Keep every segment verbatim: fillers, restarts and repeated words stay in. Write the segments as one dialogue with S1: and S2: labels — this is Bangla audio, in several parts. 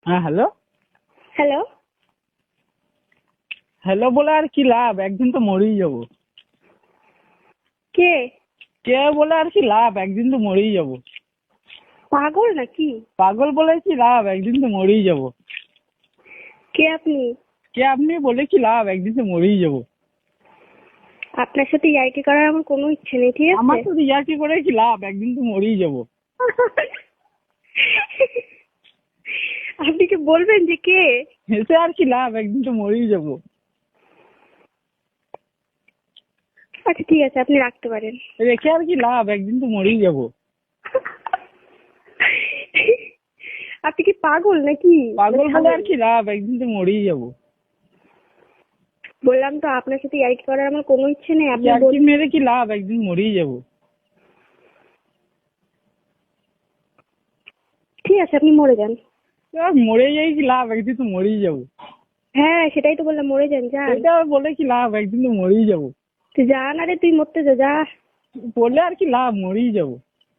S1: হ্যাঁ হ্যালো
S2: হ্যালো
S1: হ্যালো বলে আর কি লাভ, একদিন তো মরেই যাবো।
S2: কে?
S1: কে বলে আর কি লাভ, একদিন তো মরেই যাবো।
S2: পাগল নাকি?
S1: পাগল বলে কি লাভ, একদিন তো মরেই যাবো।
S2: কে আপনি?
S1: কে আপনি বলে কি লাভ, একদিন তো মরেই যাবো।
S2: আপনার সাথে ইয়ার্কি করার আমার কোনো ইচ্ছে নেই, ঠিক আছে?
S1: আমার তো ইয়ার্কি করে কি লাভ, একদিন তো মরেই যাবো।
S2: আপনি কি বলবেন যে কে?
S1: হেসে আর কি লাভ, একদিন তো মরেই যাবো।
S2: আচ্ছা ঠিক আছে, আপনি রাখতে পারেন।
S1: রেখে আর কি লাভ, একদিন তো মরেই যাবো।
S2: আপনি কি পাগল নাকি?
S1: পাগল বলে আর কি লাভ, একদিন তো মরেই যাবো।
S2: বললাম তো আপনার সাথে ইয়ার্কি করার আমার কোনো ইচ্ছে নেই। আপনি
S1: ইয়ার্কি মেরে কি লাভ, একদিন মরেই যাবো।
S2: ঠিক আছে, আপনি মরে যান।
S1: মরে যাই কি লাভ, একদিন তো মরেই যাবো।
S2: হ্যাঁ সেটাই তো বললাম, মরে যান। যান,
S1: এটা বলে কি লাভ, একদিন তো মরেই যাবো।
S2: তুই যা না রে, তুই মরতে যা। যা
S1: বললে আর কি লাভ, মরেই যাবো।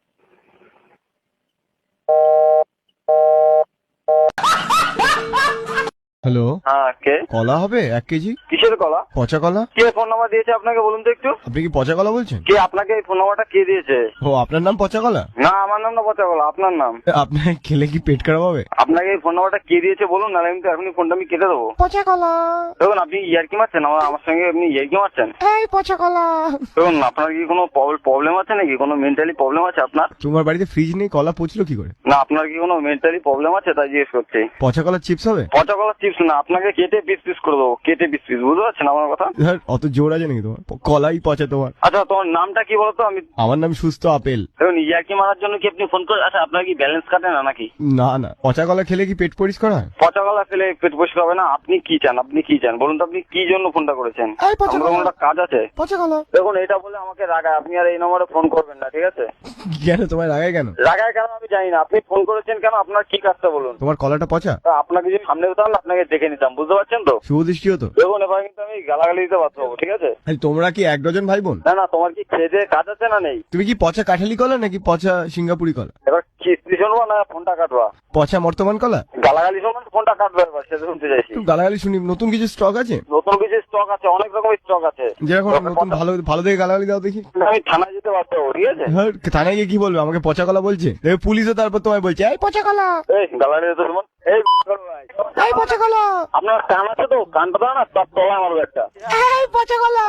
S3: হ্যালো,
S4: হ্যাঁ কে?
S3: কলা হবে এক কেজি?
S4: কিসের কলা?
S3: পচা কলা।
S4: কে ফোন নাম্বার দিয়েছে আপনাকে বলুন তো একটু?
S3: আপনি কি পচা কলা বলছেন?
S4: কে আপনাকে এই ফোন নাম্বারটা কে দিয়েছে?
S3: ও, আপনার নাম পচা কলা?
S4: না আমার নাম না পচা কলা, আপনার নাম।
S3: আপনার খেলে কি পেট খারাপ হবে?
S4: আপনাকে এই ফোন নাম্বারটা কে দিয়েছে বলুন, না আমি তো এখনই ফোনটা আমি কেটে দেবো।
S3: পচা কলা।
S4: দেখুন আপনি ইয়ার্কি মারছেন, আমার আমার সঙ্গে আপনি ইয়ার্কি মারছেন।
S3: এই পচা কলা।
S4: দেখুন আপনার কি কোনো প্রবলেম আছে নাকি, কোনো মেন্টালি প্রবলেম আছে আপনার?
S3: তোমার বাড়িতে ফ্রিজ নেই, কলা পচলো কি করে?
S4: না আপনার কি কোনো মেন্টালি প্রবলেম আছে তাই জিজ্ঞেস করছি।
S3: পচা কলার চিপস হবে?
S4: পচা কলা চিপস না, আপনাকে কেটে পিস পিস করে দেবো, কেটে পিস পিস, বুঝতে পারছেন আমার কথা?
S3: ধর, অত জোর আছে নাকি তোমার? কলাই পচা তোমার।
S4: আচ্ছা তোমার নামটা কি বলতো? আমি
S3: আমার নাম সুস্থ আপেল।
S4: দেখুন ইয়ার্কি মারার জন্য কি আপনি ফোন করে? আচ্ছা আপনার কি ব্যালেন্স কাটে না নাকি?
S3: না না, পচা কলা খেলে কি পেট পরিষ্কার হয়?
S4: পচা কলা খেলে পেট পরিষ্কার হবে না? আপনি কি চান, আপনি কি চান বলুন তো? আপনি কি জন্য ফোনটা করেছেন?
S3: এই পচা
S4: আমার
S3: কলা।
S4: কোনো একটা কাজ আছে।
S3: পচা কলা।
S4: দেখুন এটা বলে আমাকে রাগায়, আপনি আর এই নম্বরে ফোন করবেন না, ঠিক আছে?
S3: কেন তোমার রাগায় কেন?
S4: রাগায় কেন আমি জানি না, আপনি ফোন করেছেন কেন, আপনার কি কাজটা বলুন?
S3: তোমার কলাটা পচা?
S4: তা আপনাকে যদি সামনে হতাম আপনাকে দেখে নিতাম, বুঝতে পারছেন তো?
S3: শুভ দৃষ্টি হতো।
S4: দেখুন এবার কিন্তু আমি গালাগালি দিতে বাধ্য হবো, ঠিক আছে?
S3: আরে তোমরা কি এক ডজন ভাই বোন?
S4: না না, তোমার কি খেয়ে দেয়ে কাজ আছে না নেই?
S3: তুমি কি পচা কাঠালি কলা নাকি পচা সিঙ্গাপুরি কলা?
S4: এবার কিস্তি শুনবো না ফোনটা কাটবা?
S3: পচা বর্তমান কলা?
S4: গালাগালি শুনবেন ফোনটা কাটবে, এবার সেটা শুনতে চাইছি।
S3: একটু গালাগালি শুনি। নতুন কিছু স্টক আছে?
S4: নতুন কিছু স্টক আছে, অনেক রকমের স্টক আছে।
S3: যেরকম নতুন ভালো ভালো দেখে গালাগালি দাও দেখি।
S4: আমি থানায় যেতে বাধ্য হবো, ঠিক আছে?
S3: হ্যাঁ, থানায় গিয়ে কি বলবে? আমাকে পচা কলা বলছে। দেখবে পুলিশও তারপর তোমায় বলছে এই পচা কলা।
S4: এই গালাগালি দিতে শুনুন। এই ভাই,
S3: এই পচা কলা।
S4: আপনার কান আছে তো? কানটা দাও না, তার তলা মারবে একটা।
S3: এই পচা কলা।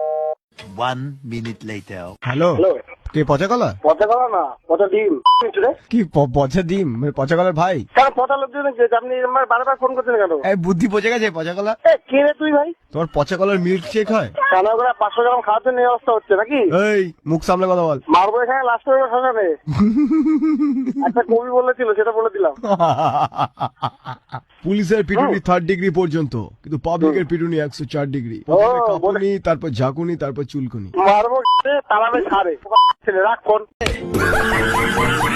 S5: One minute later.
S3: Hello,
S4: hello,
S3: কে পচা কলা?
S4: পচা কলা না, পচা ডিম।
S3: কি প- পচা ডিম? মানে পচা কলার ভাই?
S4: কেন পচা লোকজন আপনি আমার বারবার ফোন করছেন কেন?
S3: এই বুদ্ধি পচে গেছে পচা কলা।
S4: এ কে রে তুই ভাই?
S3: তোমার পচা কলার মিল্ক শেক হয়?
S4: কেন করে পাঁচশো গ্রাম খাওয়ার জন্য এই অবস্থা হচ্ছে নাকি?
S3: এই মুখ সামলে কথা বল।
S4: মারবো এখানে লাস্ট করে শ্মশানে। একটা কবি বলেছিল, সেটা বলে দিলাম।
S3: পুলিশের পিটুনি থার্ড ডিগ্রি পর্যন্ত, কিন্তু পাবলিকের পিটুনি একশো চার ডিগ্রি। প্রথমে কাঁপুনি, তারপর ঝাঁকুনি, তারপর চুলকুনি।
S4: মারবো তালাবে ছাড়ে। ছেলে রাখ ফোন।